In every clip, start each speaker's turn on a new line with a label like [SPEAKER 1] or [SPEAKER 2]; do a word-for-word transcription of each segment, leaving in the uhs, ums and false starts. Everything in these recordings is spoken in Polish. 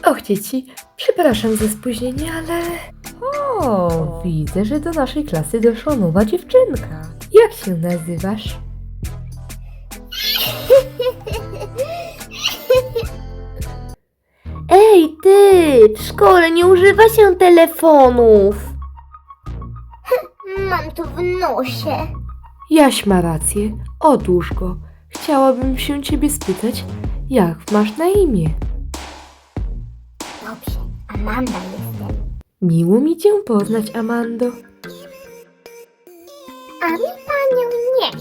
[SPEAKER 1] Och, dzieci, przepraszam za spóźnienie, ale... O, widzę, że do naszej klasy doszła nowa dziewczynka. Jak się nazywasz? Ej, ty! W szkole nie używa się telefonów.
[SPEAKER 2] Mam to w nosie.
[SPEAKER 1] Jaś ma rację. Odłóż go. Chciałabym się ciebie spytać, jak masz na imię?
[SPEAKER 2] Dobrze, Amanda jestem.
[SPEAKER 1] Miło mi cię poznać, Amando.
[SPEAKER 2] A mi panią nie.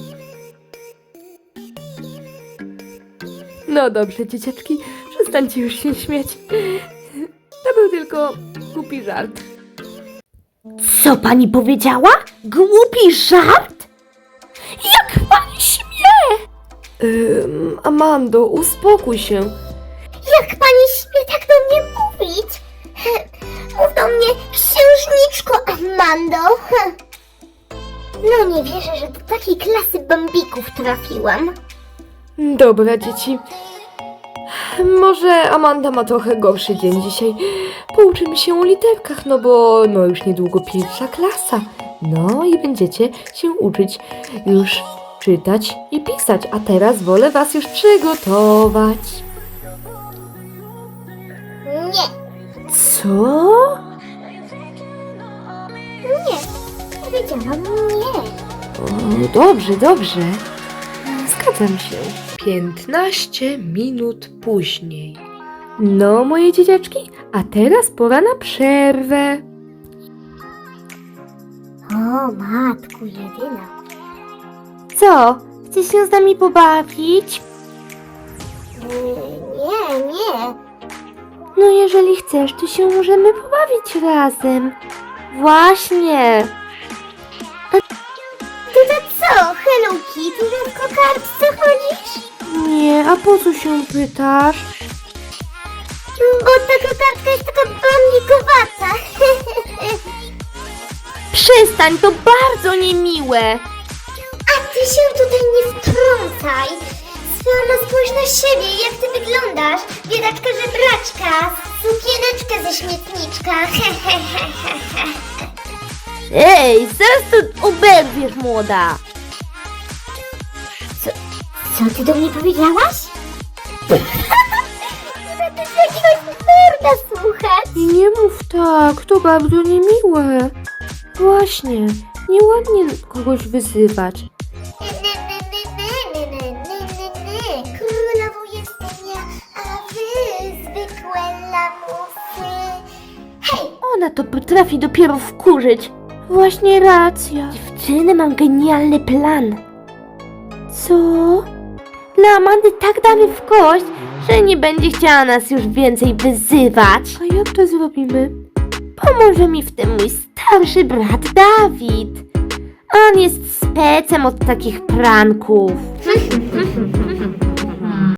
[SPEAKER 1] No dobrze, dzieciaczki, przestańcie już się śmiać. To był tylko głupi żart.
[SPEAKER 2] Co pani powiedziała? Głupi żart? Jak pani śmie?
[SPEAKER 1] Ym, Amando, uspokój się.
[SPEAKER 2] Jak pani śmie tak do mnie mówić? Mów do mnie księżniczko Amando. No nie wierzę, że do takiej klasy bambików trafiłam.
[SPEAKER 1] Dobra, dzieci. Może Amanda ma trochę gorszy dzień dzisiaj. Pouczymy się o literkach, no bo no już niedługo pierwsza klasa. No i będziecie się uczyć już czytać i pisać. A teraz wolę was już przygotować.
[SPEAKER 2] Nie,
[SPEAKER 1] Co?
[SPEAKER 2] nie, powiedziałam nie.
[SPEAKER 1] O, dobrze, dobrze. Zgadzam się. piętnaście minut później. No, moje dzieciaczki, a teraz pora na przerwę.
[SPEAKER 2] O, matku jedyna.
[SPEAKER 1] Co? Chcesz się z nami pobawić?
[SPEAKER 2] Nie, nie.
[SPEAKER 1] No, jeżeli chcesz, to się możemy pobawić razem. Właśnie.
[SPEAKER 2] Ty to co, Hello Kitty, że w kokardce chodzisz?
[SPEAKER 1] Nie, a po co się pytasz?
[SPEAKER 2] Bo ta kokardka jest taka bambikowata.
[SPEAKER 1] Przestań, to bardzo niemiłe.
[SPEAKER 2] A ty się tutaj nie wtrącaj. Sama spójrz na siebie, jak ty wyglądasz. Biedaczka żebraczka, sukieneczka ze śmietniczka.
[SPEAKER 1] Ej, zaraz to oberwiesz, młoda.
[SPEAKER 2] Co ty do mnie powiedziałaś? Chyba ty z jakiegoś nerda słuchać.
[SPEAKER 1] Nie mów tak, to bardzo niemiłe. Właśnie, nieładnie kogoś wyzywać.
[SPEAKER 2] Królową jestem ja, a wy zwykłe lamusy. Hej!
[SPEAKER 1] Ona to potrafi dopiero wkurzyć. Właśnie racja. Dziewczyny, mam genialny plan. Co? Dla Amandy tak damy w kość, że nie będzie chciała nas już więcej wyzywać. A jak to zrobimy? Pomoże mi w tym mój starszy brat Dawid. On jest specem od takich pranków.